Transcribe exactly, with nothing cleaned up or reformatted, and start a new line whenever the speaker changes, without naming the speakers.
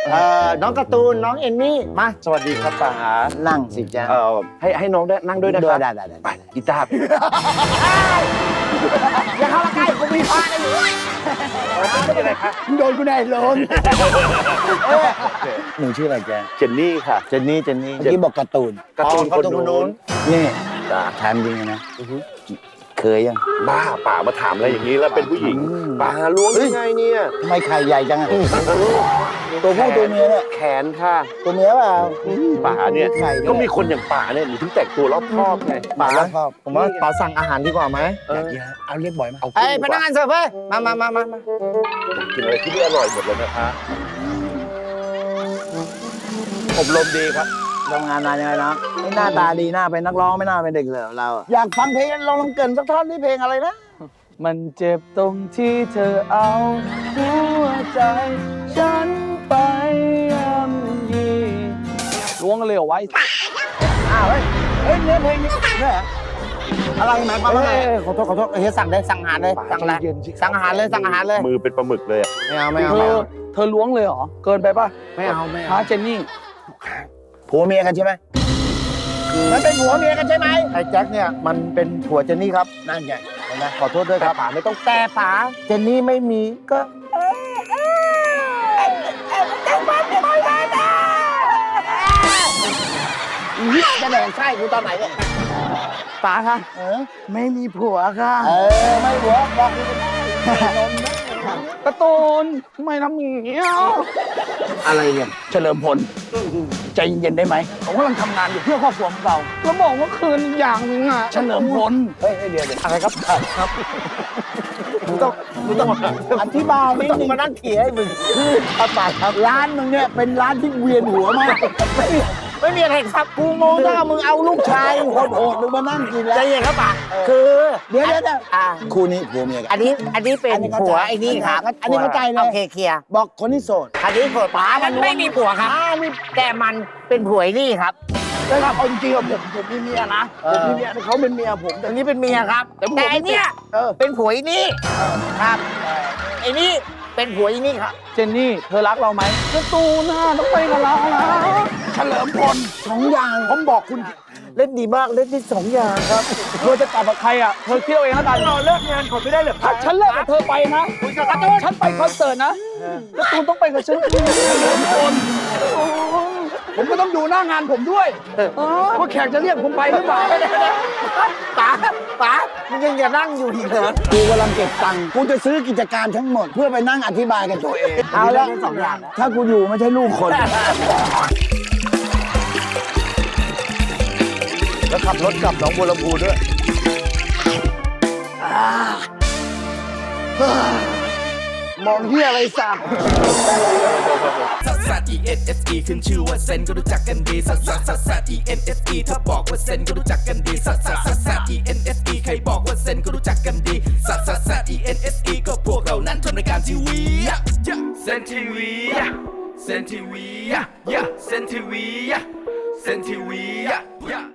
เอ่อน้องการ์ตูนน้องเอมมี่มา
สวัสดีครับป๋า
นั่งสิจ๊ะ
เอ่อให้ให้น้องได้นั่งด้วยนะครับ
ได้ได้ได้
ไปกีตาร์
อย่าเข้ามาใกล้กูมีพากันอยู่
ไม่เป็นไรครับ
โดนกูแน่ลงหนูชื่ออะไรแก
เจนนี่ค่ะ
เจนนี่เจนนี่เมื่อกี้บอกการ์ตูน
การ์ตูน
อ๋อ
คนนู้น
นี่
จ้า
ถามจริงนะเคยยัง
บ้าป๋ามาถามอะไรอย่างนี้แล้วเป็นผู้หญิง
อืม
ป๋าล้วงยังไงเนี่ย
ทำไมไข่ใหญ่จังอะตัวผู้ตัวเมียเนี่ย
แขนค่ะ
ตัวเมียเปล่า
ป๋าเนี่ย
ไข่ด้วย
ก็มีคนอย่างป๋าเนี่ยหนูถึงแต่งตัวรอบคอบไง
ป๋าชอบผมว่าป๋าสั่งอาหารดีกว่าไหม
เออ
เอาเรียกบ่อยไหม
เอา
เอ้ยพนักงานเสิร์ฟเฮ้ยมามามามามา
กินอะไรที่นี่อร่อยหมดเลยนะคะอบรมดีครับ
ทำงานนานยังไงนะไม่หน้าตาดีหน้าเป็นนักร้องไม่น่าเป็นเด็กเหลือเราอะอยากฟังเพลงลองลองเกรินสักท่อนนี่เพลงอะไรนะ
มันเจ็บตรงที่เธอเอาหัวใจ ฉันไปย่ำยีล้วงกันเลยเหรอไว้
อ้าวเฮ้ยเฮ้ยเนื้อเพลงนี้เนี่ยเหรออะไรหมายความว่าไงขอโทษขอโทษเฮ้ยสั่งเลยสั่งอาหารเลยสั่งอะไรสั่งอาหารเลยสั่งอาหารเลย
มือเป็นปลาหมึกเลยอะ
ไม่เอาไม่เอา
เธ
ไม่
อ
เอา
เธอล้วงเลยเหรอ เกินไปป่ะ
ไม่เอาไม่เอา
ท้าเจนนี่
ผัวเมียกันใช่ไหมมันเป็นผัวเมียกันใช่ไหมไอ้แจ็คเนี่ยมันเป็นผัวเจนนี่ครับนั่นไงเห็นไหมขอโทษด้วยครับป๋าไม่ต้องแต่ป๋าเจนนี่ไม่มีก็จะแดงไส้กูตอนไหนเนี่ย
ป๋าคะ
เออ
ไม่มีผัวค่ะ
เออไม่ผัวบอกกูก็ได้นมนะ
การ์ตูนทำไมทำอย่างนี้ย
อะไรเนี่ย
เฉลิมพลใจเย็นๆได้ไหมผมกำลังทำงานอยู่เพื่อครอบครัวของเราแล้วบอกว่าคืนอย่างหนึงอ่ะเฉลิมพล
เฮ้ยเดี๋ยวเดี๋ยวอะไรครับครับมึงต้องมึงต้องอธิบายนิดนึงมานั่งเขียนให้มึงคือครับป๋าครับร้านมึงเนี่ยเป็นร้านที่เวียนหัวมากไม่มีไม่มีอะไรครับกูงงถ้ามึงเอาลูกชายโหดๆมึงมานั่งกินแล้วใจเย็นครับป๋าคือเดี๋ยวเดี๋ยวเดี๋ยวคู่นี้ผัวเมียกัน
อันนี้อันนี้เป็น
อันนี้เข้าใจ
ผัวไอ้นี่ครับ
อันนี้เข้าใจเลย
โอเคเคลียร์
บอกคนที่โสด
อันนี้ผัวป๋ามันไม่มีผัวครับ
อ้าวนี่
แต่มันเป็นผัวไอ้นี่ครับ
นะครับเอาจริงๆอะผมผมมีเมียนะ
เอ
ผ
อ
มมีเมียแต่เขาเป็นเมียผมแต่
อันนี้เป็นเมียครับ
แต่ผม
แต่ไอ้เนี่ย
เออ
เป็นผัวไอ้นี่ครับไอ้นี่เป็นผัวไอ้นี่ครับ
เจนนี่เธอรักเราไหมการ์ตูนน่ะต้องไปกับเรานะเฉลิมพล
สองอย่างผมบอกคุณเล่นดีมากเล่นที่สองอย่างครับ
เธอจะกลับกับใครอ่ะเธอเที่ยวเองแล้วกัน
เราเลิกงานคนไม่ได้เหรอ
ถ้าฉันเลิกกับเธอไปนะ
คุยกับการ์ตูน
ฉันไปคอนเสิร์ตนะการ์ตูนต้องไปกับฉันเฉลิมพลโอ้ผมก็ต้องดูหน้างานผมด้วยว่าแขกจะเรียกผมไปหรือเปล่า
ป๋าป๋ามันยังจะนั่งอยู่อีกเหรอ
กูกำลังเก็บตังค์กูจะซื้อกิจการทั้งหมด เพื่อไปนั่งอธิบายกับตัวเอง เอาละ
สองอย่างนะ
ถ้ากูอยู่ไม่ใช่ลูกคน
แล้วขับรถกลับหนองบัวลำพูด้วย
มองเฮียอะไรสัก
ซัสซัส E N S E ขึ้นชื่อว่าเซนก็รู้จักกันดีซัสซัสซัสซัส E N S E ถ้าบอกว่าเซนก็รู้จักกันดีซัสซัสซัสซัส E N S E ใครบอกว่าเซนก็รู้จักกันดีซัสซัสซัส E N S E ก็พวกเรานั้นทำรายการทีวีเซนทีวีเซนทีวีเซนทีวีเซนทีวี